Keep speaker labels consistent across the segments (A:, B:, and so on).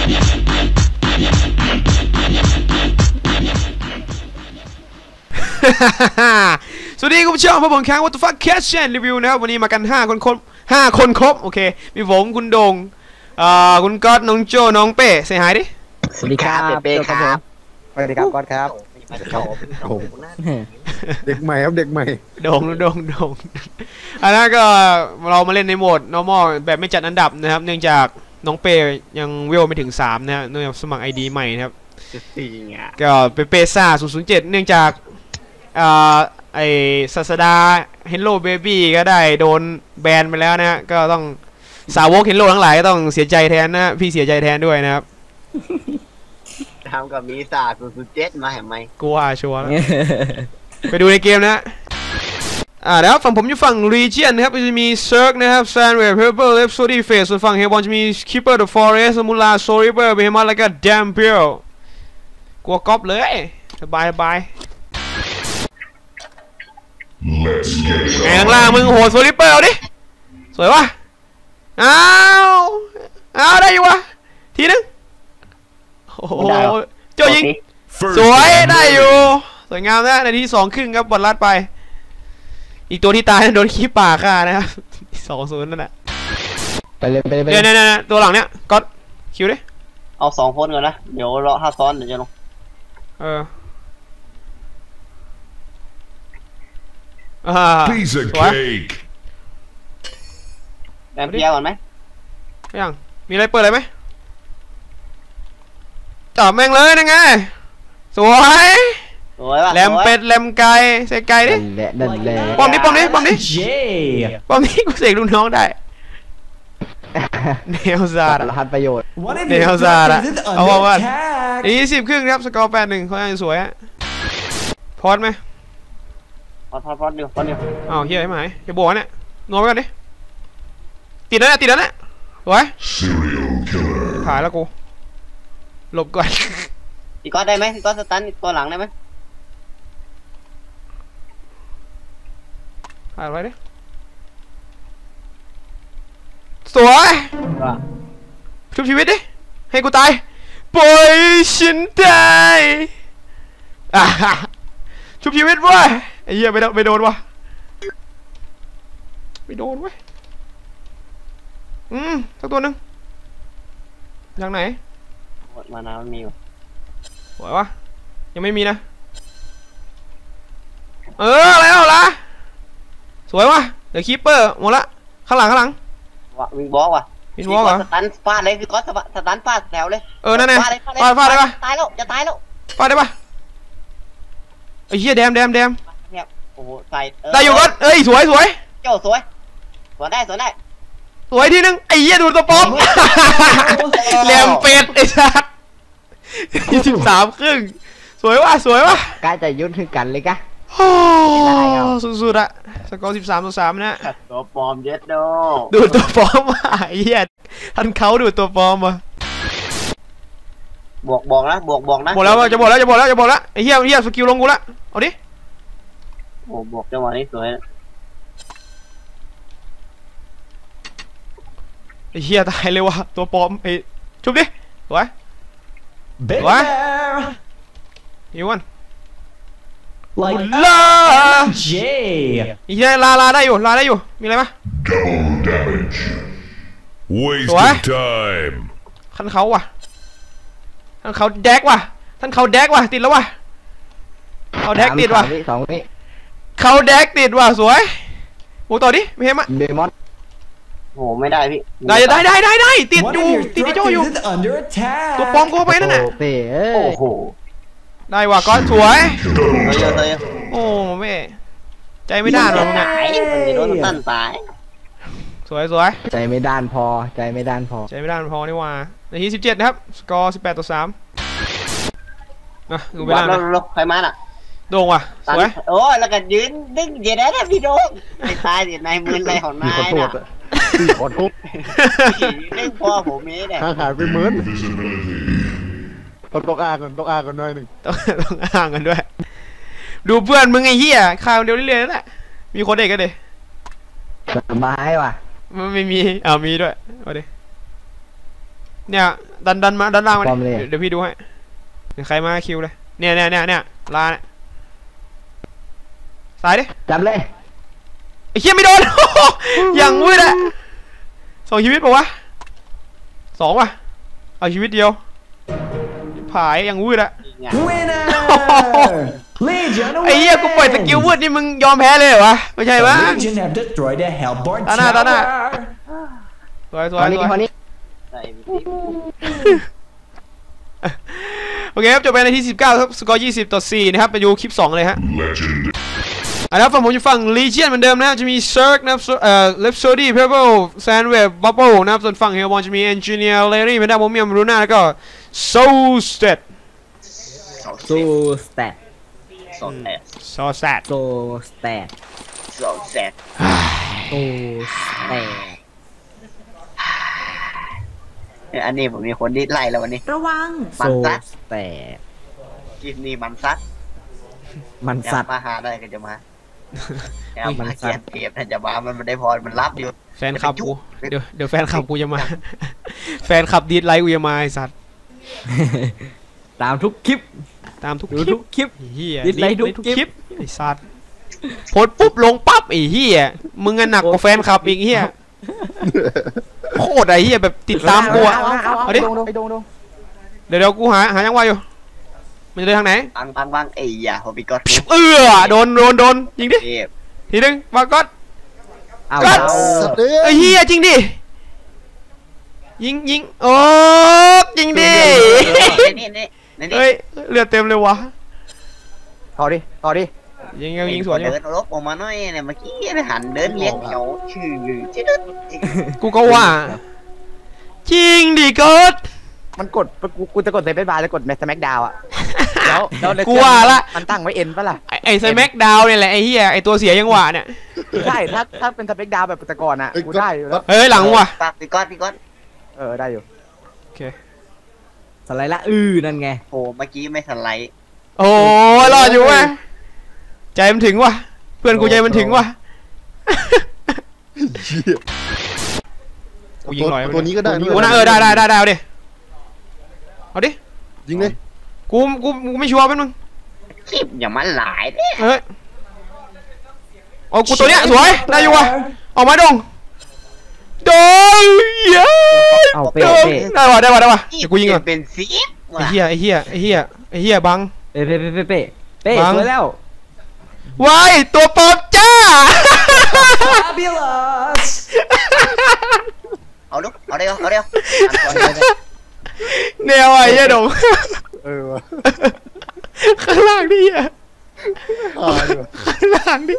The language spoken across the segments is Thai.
A: สวัสดีคุณผู้ชมพบผมครั้ง What the fuck Catchรีวิวนะครับวันนี้มากัน5 คนครบโอเคมีผมคุณโดงคุณก๊อตน้องโจน้องเป้เสียหายดิ
B: สวัสดีครับเป้ครับ
C: สวัสดีครับก๊อตครับเด็กใหม่ครับเด็กใหม่
A: โดงอันนั้นก็เรามาเล่นในโหมด normal แบบไม่จัดอันดับนะครับเนื่องจากน้องเป้ยังเวลไม่ถึง3นะฮะเนื่องจากสมัคร ID ใหม่นะครับก็เปซ่า007เนื่องจากไอศาสดา Hello Baby ก็ได้โดนแบนไปแล้วนะฮะก็ต้องสาวก Hello ทั้งหลายก็ต้องเสียใจแทนนะพี่เสียใจแทนด้วยนะครับ
B: ทำกับมีศาสตร์007มาเห็นไหม
A: กูว่าชัวร์แล้วไปดูในเกมนะแล้วฝั่งผมอยู่ฝั่ง Region นะครับจะมี Cirque นะครับ Sandwave Purple Left Sody Face ส่วนฝั่ง Hellborn จะมี Keeper the Forest Mula Soriber Behemoth แล้วก็ Dampier กลัวก๊อปเลยสบายไงล่างมึงโหดโซลิเปอร์เอาดิสวยวะเอาได้อยู่วะทีนึงโอ้โหโจยิงสวยได้อยู่สวยงามนะนาที2 ครึ่งครับบอลลัดไปอีกตัวที่ตายโดนขี้ป่าฆ่านะครับ2-0นั่นแหละ
C: ไปเลย
A: เนี่ยตัวหลังเนี่ยก็คิวดิ
B: เอา2 คนก่อนนะเดี๋ยวรอ5 ซ้อนเดี๋ยวจะลง
D: Piece of cake
B: แบมเพียก่อนไหม
A: ยังมีอะไรเปิดอะไรไหมจับแม่งเลยนะไงสวย
B: ว่ะ
A: แหลมเป็ดแหลมไก่ใส่ไก่ดิป้อมนี้กูเสกลูกน้องได้เนลซาร์
C: หันประโยชน์
A: เนลซาร์เอาว่า20 ครึ่งครับสกอร์8-1เขายังสวยฮะพอดไหม
B: พอดเดียว
A: อ้าวเฮียไอ้หมายจะบวกเนี่ยนัวไปก่อนดิติดแล้วเนี่ยสวยถ่ายแล้วกูหลบก่อน
B: พี่ก๊อตได้ไหมพี่ก๊อตสตันตัวหลังได้ไหม
A: ถ่ายไว้ดิสวยชุบชีวิตดิให้กูตายปล่อยฉันได้ชุบชีวิตวะไอ้เหี้ยไม่โดนวะไม่โดนเว้ยสักตัวนึงอย่างไหน
B: มานามันมีอยู่
A: สวยวะยังไม่มีนะแล้วละสวยวะเดี๋ยวคีปเปอร์หมดละข้างหลัง
B: วิงบอลว่ะสตันฟาดเลยพี่ก๊อตสตันฟาดแถวเลย
A: นั่นไงฟาดได้ปะ
B: ตายแล้วจะตายแล้ว
A: ฟาดได้ปะไอ้เหี้ยแดม
B: โอ้โหใส่
A: ได้อยู่ก็สวย
B: โจ้สวยได้ส
A: วยทีนึงไอ้เหี้ยดูตัวป๊อปแหลมเป็ดไอ้ชัด23 ครึ่งสวยวะ
C: กล้าจะยุ่นถึงกันเลยกะ
A: สุดๆอะสกอร์13-3นะ
B: ตัวปลอมเย็ด
A: ดูตัวปลอมว่ะไอ้เหี้ยท่านเขาดูตัวปลอมว่ะ
B: บอกนะ
A: บอกแล้วจะบอกแล้วไอ้เหี้ยสกิลลงกูละเอาดิ
B: โอ้บอกจังหวะนี้สวย
A: ไอ้เหี้ยตายเลยว่ะตัวปลอมไอ้ชุบดิสวยอีวันลาอีเหี้ยลาได้อยู่มีอะไรปะสวยท่านเขาว่ะท่านเขาแดกว่ะติดแล้วว่ะเขาแดกติดว่ะเขาแดกติดว่ะสวยโอ้ต่อดิไม่เห็นมั้ย
C: เดมอน
B: โหไม่ได้พี่
A: ได้ติดอยู่ติดไอ้โจอยู่ตัวปลอมกูไปนั่นน่ะ
B: โอ้โห
A: ได้ว่ะก้อนสวยโอ้แม่ใจไม่ด้านหรอก
B: ไงมันโดนตั้นตาย
A: สวย
C: ใจไม่ด้านพอ
A: นี่ว่านาที17นะครับสกอร์18-3นะดูเวลา
B: ใครมาล่ะ
A: โด่งว่ะสวย
B: โอ้แล้วก็ยืนดึงเย็นได้พี่โด่งไอ้ตายเดี๋ยวนายมืออะไรของนายน่ะ
C: ขอทุบ
B: ดึงพ่อผมนี้เนี่ย
C: หายไปเหมือนต้องอ้างกันหน่อยหนึ่ง
A: ต้องอ้างกันด้วยดูเพื่อนมึงไอ้เหี้ยข่าวเดียวเรื่อยๆนั่นแหละมีคนเด็กกันดิ
C: สบายว่ะ
A: มันไม่มีมีด้วยเอาดิเนี่ยดันมาดันล่างมาเดี๋ยวพี่ดูให้เดี๋ยวใครมาคิวเลยเนี่ยลาเนี่ยสายดิ
C: จับเลย
A: ไอ้เหี้ยไม่โดน อย่างวืดอะ2 ชีวิตป่าวะ2ว่ะเอาชีวิตเดียวผายอย่างวืดอะไอ้เหี้ยกูปล่อยสกิลวืดนี่มึงยอมแพ้เลยเหรอวะไม่ใช่ปะตาหน้าสวย
C: คนนี้
A: โอเคครับจบไปในที่19ครับสกอร์20-4นะครับไปดูคลิป2เลยฮะแล้วฝั่งผมจะฝั่ง Legion เหมือนเดิมนะจะมี Cirque นะครับRhapsody Pebble Sandwave Bubble นะครับส่วนฝั่ง Hellborn จะมี Engineer Larry Panda Momium Luna แล้วก็ Soulsted
B: อันนี้ผมมีคนดิ้นไล่แล้ววันนี้
E: ระวัง
B: มันซัด
C: แต่
B: กินนี่มันซัดมาหาได้ก็จะมาแล้วมาเกียนเก็บน่าจะมามันได้พอมันรับอยู่
A: แฟนคลับกูเดี๋ยวแฟนคลับกูจะมาแฟนคลับดีดไลค์กูจะมาไอ้สัตว์
C: ตามทุกคลิป
A: เฮียดีดไลค์ทุกคลิปไอ้สัตว์โพสปุ๊บลงปั๊บไอ้เฮียมึงหนักกว่าแฟนคลับอีกเฮียโคตรไอ้เฮียแบบติดตามกูเอาดิเดี๋ยวกูหายังไงอยู่มันจะเดินทางไหน
B: บังไอ้ยาโฮบิกอต
A: โดนยิงดิทีนึงมาก็ไอ้เฮียจริงดิยิงโอ้จริงดิเฮ้ยเลือดเต็มเลยวะ
C: ต่อดิ
A: ยิงสวนอยู่
B: เดินลบออกมาหน่อยเนี่ยเมื่อกี้หันเดินเลี้ยงเขาชื่อ
A: กูก็ว่าจริงดิกด
C: มันกดกูจะกดเซฟบาร์จะกดแมสแม็กดาวอะแล้ว
A: กูว่าละ
C: มันตั้งไว้เอ็นปะล่ะ
A: ไอ้สแม็กดาวเนี่ยแหละไอ้เหี้ยไอ้ตัวเสียยังหวะเนี่ย
C: ใช่ถ้าเป็นสแม็กดาวแบบแต่ก่อนอะกูได้อยู่แล้ว
A: เฮ้ยหลังว่ะ
B: พี่ก้อน
C: ได้อยู่
A: โอเค
C: สไลด์ละนั่นไง
B: โอ้เมื่อกี้ไม่สไลด์
A: โอ้รออยู่เว้ยใจมันถึงว่ะเพื่อนกูใจมันถึงว่ะกูยิงหน่อย
C: ตัวนี้ก็ได้
A: กูน่าได้เอาดิ
C: ยิงเลย
A: กูไม่ชัวร์เป็นมึง
B: คลิปอย่ามาหลายเด้
A: เฮ้ยโอ้กูตัวเนี้ยสวยได้อยู่ว่ะออกมาดงเย้ได้ว่ะเดี๋ยวกูยิงก่อน
B: เป็นซีฟ
A: ไอ้เหี้ยบัง
C: เป๊ะสวยแล้ว
A: ว้ายตัวปลอมจ้า
B: เอาเร็ว
A: แนวไอ้เหี้ยดงข้างล่างนี่อ่ะข้างล่างนี่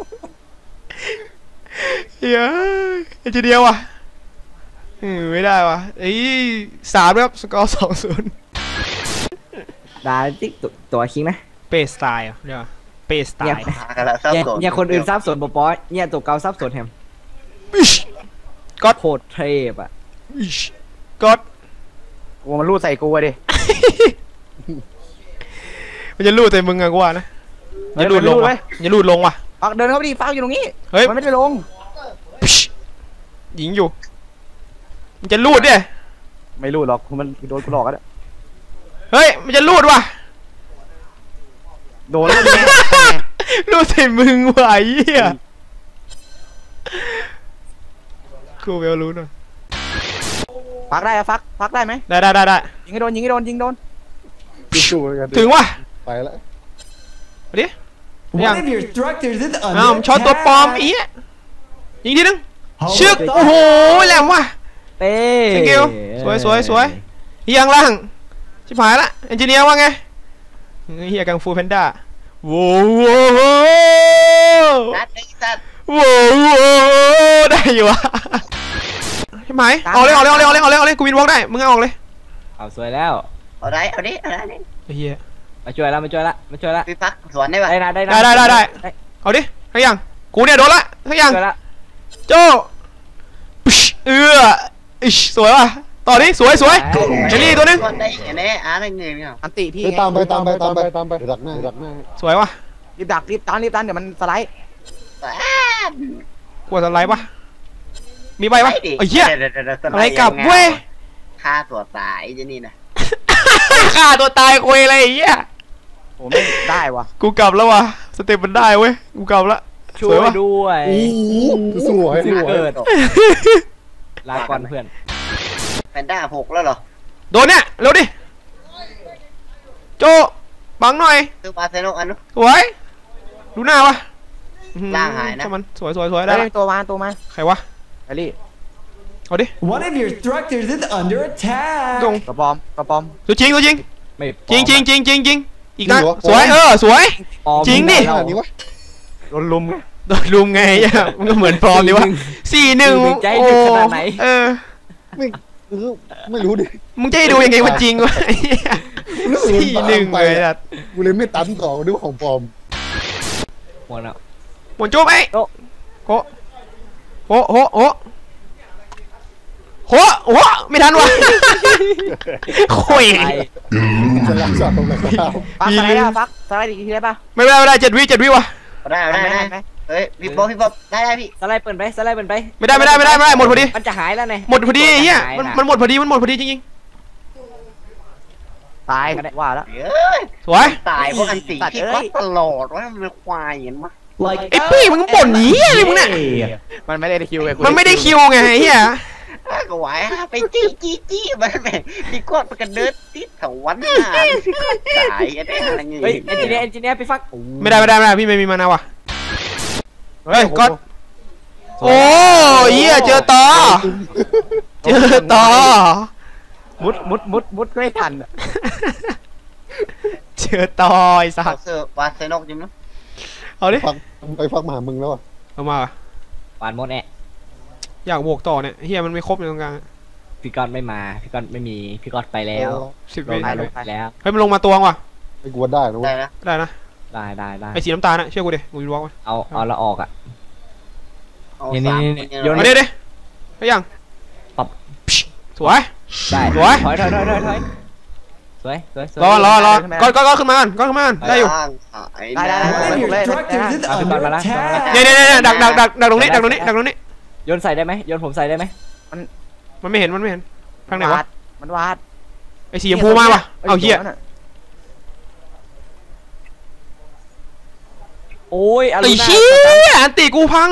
A: เฮ้ยทีเดียวอ่ะไม่ได้ว่ะ3ครับสกอร์2-0
C: ได้ติ๊กตัวคิงนะ
A: เปสไตล์เดี๋ยวเปสไตล์
C: เนี่ยคนอื่นซับสนปอเนี่ยตัวเก่าซับสนแฮม
A: ก็
C: โคตรเทพอ่ะ
A: ก็
C: กูมันรูดใส่กูดิ
A: มันจะรูดใส่มึงอะกูว่านะอย่ารูดลงว่ะอย่ารูดลงว่ะ
C: เดินเข้าไปดิฟ้าอยู่ตรงนี้
A: เฮ้ย
C: มันไม่ได้ลง
A: ยิงอยู่มันจะรูดดิ
C: ไม่รูดหรอกมันโดนกูหลอกกัน
A: เฮ้ยมันจะรูดว่ะ
C: โดน
A: รูดใส่มึงว่ะไอ้เหี้ยกูเวลรู้หน่อย
C: ฟักได้ฟักได้ไหม
A: ได้
C: ยิงให้โดน
A: ถึงว่ะ
C: ไปแล้ว
A: ดิยังช็อตตัวปลอมอีกยิงทีนึงชึกโอ้โหแหลมว่ะ
C: เต้
A: สกิลสวยยังล่างชิบหายละเอนจิเนียร์ว่าไงเฮียกังฟูแพนด้าโว้ได้อยู่วะใช่ไหมเอาเลยกูวินวอล์กได้มึงเอาออกเลย
C: เอาสวยแล้ว
B: เอาดิ
A: เฮีย
C: มาช่วยละ
B: พี่พักสวนได้ป่ะ
A: ได้เอาดิทั้งอย่างกูเนี่ยโดนละทั้งอย่างโจสวยว่ะต่อนี้สวยเจนี่ตัวนึง
C: อันติพี่ตามไปดักหน้า
A: สวยว่ะ
C: รีบตันเดี๋ยวมันสไลด์
A: กลัวสไลด์ปะมีใบปะไอ้เหี้ยอะไรกลับเว้ย
B: ฆ่าตัวตายจะนี่นะ
A: ฆ่าตัวตายคุยอะไรอย่างเงี้ย
C: โอ้ไม่ได้วะ
A: กูกลับแล้ววะสเต็ปมันได้เว้ยกูกลับละ
E: ช่วยด้วย
F: สวย
E: เกิดลาก่อนเพื่อน
B: แพนด้า6แล้วเหรอ
A: โดนเนี่ยเร็วดิโจบังหน่อย
B: ซื้อบาร์เซโลอันนู้น
A: สวยดูหน้าวะ
B: ล่างหายนะ
A: ช่มันสวยได้
C: ได้
A: ละ
C: ตัวมา
A: ใครวะ
C: ไอรี่
A: เอาดิ
G: One of your structures is under attack.
A: ตรง
C: ตัวปลอม
A: ตัวจริง
E: ไม่
A: จริงอีกนะสวยสวย จริงดิ
F: ขนาดนี้วะ
C: โดนลุม
A: โดนลุมไงมันก็เหมือนฟอร์มดิวะ4-1
E: ใจดึกขนาดไหน
F: ไม่รู้ดิ
A: มึงจะให้ดูยังไงว่าจริงวะ
F: รู้สึกมันบางไป
A: 4-1เลยอะ
F: กูเลยไม่ตันต่อด้วยของปลอม
E: หมดแล้ว
A: หมดจุ๊บไอ้โหไม่ทันวะโอ้ย
F: จะรักษาตรงไหนครับ
C: ฟักสไลด์ได้ฟักสไลด์อีกทีได้ปะ
A: ไม่ได้7 วิวะ
B: ได้เฮ้ยพี่ป๊อปได้พี่
E: สไลด์เปิดไปสไลด์เปิดไป
A: ไม่ได้หมดพอดี
E: มันจะหายแล้วไง
A: หมดพอดีเฮียมันหมดพอดีจริง
C: ตายว่าแล้ว
B: เฮ้ย
A: ๆสวย
B: ตายเพราะอันตีพี่ก๊อตตลอดว่ามันเป็นควายเห็นปะ
G: Like
A: ไอ้ปี้มึงบ่นนี้อะไรมึงเนี่ย
C: มันไม่ได้คิวไง
A: มันไม่ได้คิวไงเฮีย
B: ก็ไหวไปจี้มันแม่พี่ก๊อตมันกันเดินติดแถววันหน้าพี่ก๊อตตายอะไรเงี้ย
E: เฮ้ยเอนจิเนียร์ไปฟัก
A: ไม่ได้พี่ไม่มีมานะวะเฮ้ยก็โอ้เฮียเจอต่อ
C: มุดไม่ทัน
A: เจอต่อไอ้สั
B: เอา
A: ส
B: เสื้อบาร์เซโลจริงมั้ย
A: เอาดิ
F: ฟักมาหามึงแล้วอ่ะ
A: เอามา
E: หวานหมดแอะ
A: อยากบวกต่อเนี่ยเฮียมันไม่ครบในตรงกลาง
E: พี่กอนไม่มาพี่กอนไม่มีพี่กอนไปแล้ว
A: 10
E: ล
A: วิ
E: งไปแล้ว
A: เฮ้ยมันลงมาตัวว่ะ
F: ไอ้กูว่าได้นะ
B: ได้
F: เว้ย
B: นะ
A: ได้นะ
E: ได้
A: ไอ้สีน้ำตาลนะเชื่อกูดิกูจะบล็อกมัน
E: เอาละออกอ่ะ
B: เอา
E: นี่
B: สาม
E: โยน
A: มาดิไปยัง
E: ปับ
A: สวย
E: ได้
A: สวย
E: ถอยสวย
A: รอก็ขึ้นมาก่อนได้อยู่
C: ได้
G: one of your
C: เลย
G: structures is
E: Ah,
G: under
E: Barbara.
G: attack.
A: เนี่ยดักตรงนี้
E: โยนใส่ได้ไหมโยนผมใส่ได้ไหม
A: มันไม่เห็นข้างไหนวะ
C: มันวาด
A: ไอ้สีชมพูมาปะเอาเหี้ย
E: โอ้ย
A: ไอ้เหี้ยอันตีกูพัง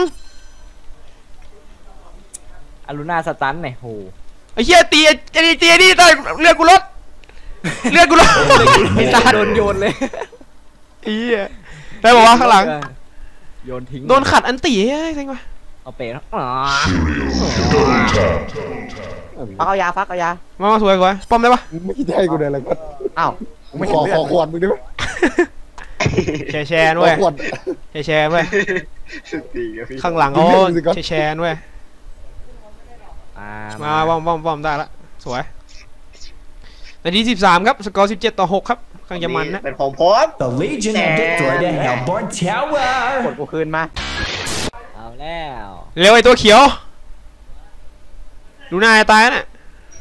E: อารูน่าสตันเนี่ยโห
A: ไอ้เหี้ยตีนี่ตายเลือดกูลดไอ้สัตว์
E: โดนโยนเลย
A: ไอ้เหี้ยได้บอกว่าข้างหลัง
E: โยนทิ้ง
A: โดนขัดอันตีเฮ้ยเซ็งว่ะ
E: เอาเปะแล้ว
C: ฟักเอายา
A: มาสวยป้อมได้ปะ
F: ไม่คิดให้กูเลยอะไรก็
C: อ้าว
F: ไม่ขอขวดมึงได้ไหม
A: แชร์ด้วย
F: ขวด
A: แชร์ด้วยข้างหลังเขาแชร์ด้วยมาป้อมได้ละสวยนาที13ครับสกอร์17-6ครับกำลังจะมันนะ
B: เป็นของผม
G: The Legion have destroyed a Hellborn tower.
C: กดกูคืนมา
E: เอาแล้ว
A: เร็วไอ้ตัวเขียวดูหน้าตายน่ะ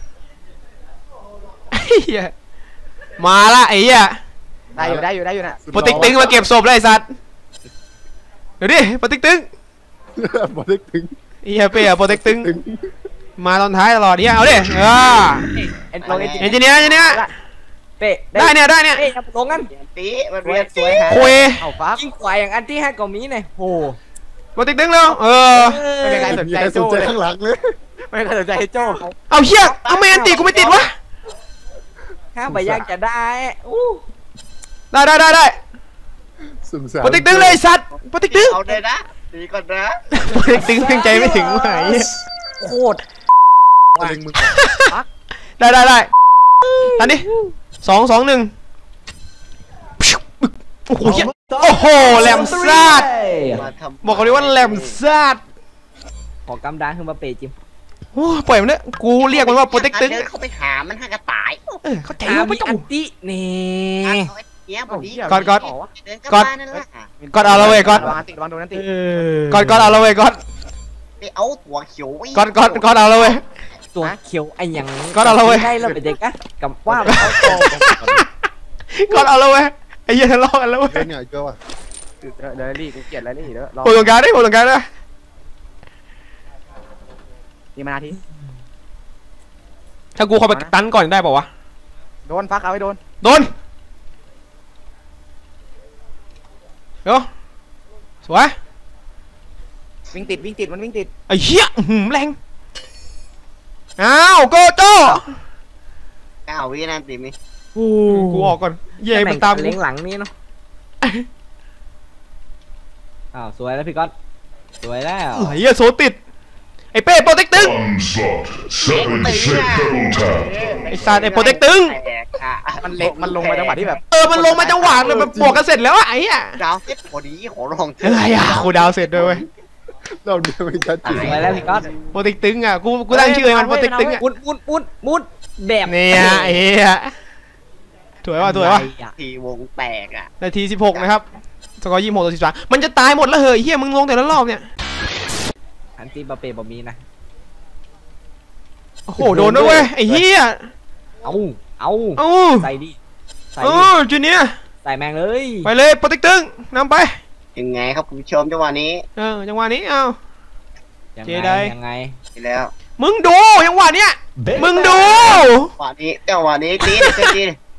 A: ไอ้เหี้ยมาละไอ้เหี้ย
C: ได้อยู่นะ
A: โปรติ๊กตึงมาเก็บศพเลยไอ้สัตว์เดี๋ยวดิโปรติ๊กตึง
F: บอลเล็กถึง
A: ไอ้เหี้ยเป้อะโปรติ๊กตึงมาตอนท้ายตลอดเนี่ยเอาดิเอนจิเนียร์
E: เป๊ะ
A: ได้เนี่ย
E: เป๊ะอย่าลงกัน
B: ตีมันเรียน
E: สวยฮะ
A: คุย
C: เอาฟัก
E: ยิ่งกว่าอย่างอันที่5กว่ามีเนี่ยโห
A: โปรติ๊กตึงเร็ว
C: ไม่มีใครสนใจ
F: สนใจข้างหลังเลย
C: ไม่มีใครสนใจโจ้
A: เอาเหี้ยเอาไม่อันตีกูไม่ติดวะ
E: ห้าใบยากจะได้อู้
A: ได้
F: สงสาร
A: โปรติ๊กตึงเลยสัตว์โปรติ๊กตึง
B: เอาเลยนะตีก่อนนะ
A: โปรติ๊กตึงเพียงใจไม่ถึงว่ะไอ้เหี้ย
E: โคตร
F: เล็งมึง
A: ได้ทันดิ2-1โอ้โหเหี้ยโอ้โหแหลมซาด
B: มาทำ
A: บอกเขาเลยว่าแหลมซาด
E: ขอกำดังขึ้นมาเปะจิม
A: โอ้ปล่อยมันเถอะกูเรียกมันว่าโปรเทคตึง
B: เขาไปหามันห้ากระต่าย
A: เข้าใจว่าไม่
E: มี
A: ต้อ
E: อั
A: ง
E: นตินี่
B: เนี้ยพอดี
A: ก่อน
B: เดินกลับบ้านนั่นแหละ
A: ก่อนเอาละเว้ยก่อน
C: วางติดวางโดนนั่นติด
A: ก่อนเอาละเว้ยก่อน
B: ไปเอาถั่วเขียว
A: ก่อนเอาละเว้ย
E: ตัวเขียวไอ้ยัง
A: ก็เอาละเว้ย
E: ได้แล้วไปเด็กอะกับว่าเขาโต
A: ก่อนเอาละเว้ยไอ้เหี้ยทะเลาะกันแล้วเว้ย
F: เล่นเนี่ยเจอว่ะ
C: เดี๋ยวรีกูเกลียดแล้วนี่เดี๋ยวรอ
A: โผล่ตรงกลางได้โผล่ตรงกลางได้
C: นี่มานาที
A: ถ้ากูเข้าไปตันก่อนได้ป่าวะ
C: โดนฟักเอาไว้โดน
A: โดนเดี๋ยวสวย
C: วิ่งติดมันวิ่งติด
A: ไอ้เหี้ยแรงอ้าวโกโจ้
B: 9 วินาทีมิ
A: กูออกก่อนเย่มันตาม
E: เล้งหลังนี่เนาะอ้าวสวยแล้วพี่ก๊อตสวยแล้ว
A: ไอ้เหี้ยโซติดไอ้เป้โปรเทคตึง
D: Onslaught. 7 ship double tap.
A: ไอ้สัตว์ไอ้โปรเทคตึง
B: แตกอ่ะ
C: มันลงมาจังหวะที่แบบ
A: มันลงมาจังหวะเลยแบบบวกกันเสร็จแล้วอะไอ้เหี้ย
B: ดาวเซ็ตพอดีขอลองเถ
A: อะไรอะกูดาวเสร็จด้วยเว้ย
F: เราเดินไม่ชัดเจน
E: สวยแล้วพี่ก๊อต
A: โปรเทคตึงอะกูตั้งชื่อให้มันโปรเทคตึงอะ
E: มุดแบบ
A: เนี่ยไอ้เหี้ยถวยว่ะ
B: ทีวงแตกอ่ะ
A: นาที16นะครับสกอร์26-13มันจะตายหมดแล้วเหรอเฮียมึงลงแต่ละรอบเนี่ย
E: อันตีบาเป้บอมีนะ
A: โอ้โหโดนด้วยเว้ยไอ้เฮีย
E: เอา
A: เอ้า
E: ใส่ดิใส่
A: เอ
E: ดิ
A: อจูเนียร์
E: ใส่แมงเลย
A: ไปเลยโปรเทคตึงนำไป
B: ยังไงครับคุณผู้ชมจังหวะนี้
A: จังหวะนี้เอา เจได
E: ยังไง
B: ไปแล้ว
A: มึงดูจังหวะเนี้ยมึงดู
B: จังหวะนี้ตีตี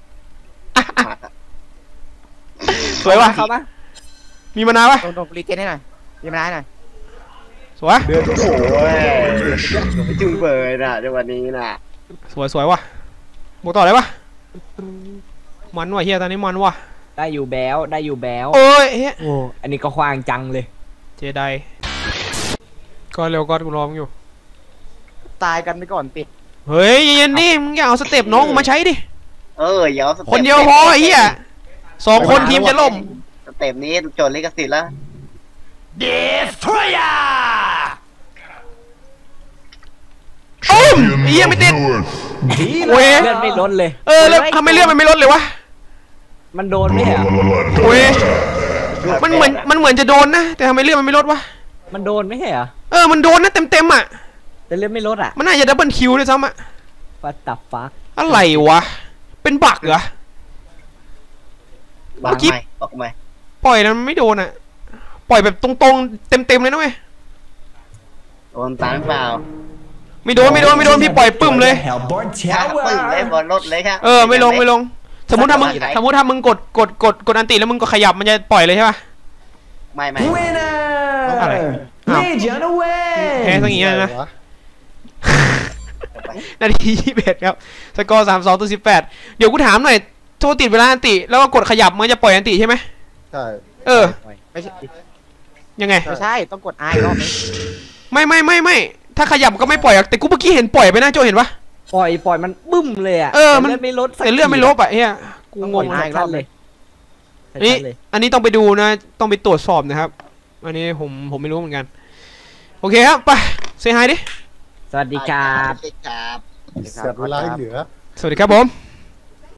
A: สวยว่ะ
E: เข้าปะ
A: มีมานาวปะ
C: โดนรีเจนให้หน่อยรีมาได้หน่อย
A: สวย
B: เดือดโอ้ยไม่จุ้งเบยน่ะจังหวะนี้น่ะ
A: สวยว่ะบวกต่อเลยปะมันว่ะเฮียตอนนี้มันว่ะ
E: ได้อยู่แบล
A: โอ้ยเฮีย
E: โอ้อันนี้ก็ควางจังเลย
A: เจไดก็เร็วก็กูรอมึงอยู่
C: ตายกันไปก่อนติ
A: เฮ้ยเย็นๆดิมึงอย่าเอาสเต็ปน้องกูมาใช้ดิ
B: เดี๋ยว
A: คนเดียวพอไอ้เหี้ย2 คนทีมจะล่ม
B: สเต็ปนี้โจทย์ลิขสิทธิ์แล้ว
G: Destroyer
A: โอ้มไอ้เหี้ยไม่ติด
D: North.
A: เว้ย
E: เลือดไม่ลดเลย
A: แล้วทำไมเลือดมันไม่ลดเลยวะ
E: มันโดนไม่เหรอ
A: เว้ยมันเหมือนจะโดนนะแต่ทำไมเลือดมันไม่ลดวะ
E: มันโดนไม่เหรอ
A: มันโดนนะเต็มอ่ะ
E: แต่เลือดไม่ลดอ่ะ
A: มันน่าจะดับเบิลคิวด้วยซ้ำอ่ะ
E: ฟัดตับฟัก
A: อะไรวะเป็นบั๊กเหรอ
B: บอกไหม
A: ปล่อยแล้วมันไม่โดนอ่ะปล่อยแบบตรงๆเต็มเลยนะเว้ย
B: โดนตามเปล่า
A: ไม่โดนพี่ปล่อยปึ้มเลย
G: Hellborn
B: ปึ้งเลย
G: Tower.
B: บอลรถเลยครับ
A: ไม่ลงสมมติถ้ามึงกดอันติแล้วมึงก็ขยับมันจะปล่อยเลยใช่ปะ
B: ไม่
A: อะไร
G: Winner. Legion away.
A: แพ้ซะงี้นะ นาที21ครับสกอร์32-18เดี๋ยวกูถามหน่อยโทษติดเวลาอันติแล้วก็กดขยับมันจะปล่อยอันติใช่ไหม
F: ใช่
C: ไม่ใช่
A: ยังไง
C: ไม่ใช่ต้องกด I รอบนึง
A: ไม่ถ้าขยับก็ไม่ปล่อยแต่กูเมื่อกี้เห็นปล่อยไปนะโจเห็นปะ
E: ปล่อยมันบึ้มเลยอ่ะ
A: มัน
E: เลือดไม่ลดสัก
A: แต่เลือดไม่ลบอ่ะเฮียกูงง
E: ชัดเลย
A: อันนี้ต้องไปดูนะต้องไปตรวจสอบนะครับอันนี้ผมไม่รู้เหมือนกันโอเคครับไปเซฮายดิ
E: สวัสดีครับ
B: ครับ
F: เสียเวลาให้เหลือ
A: สวัสดีครับผม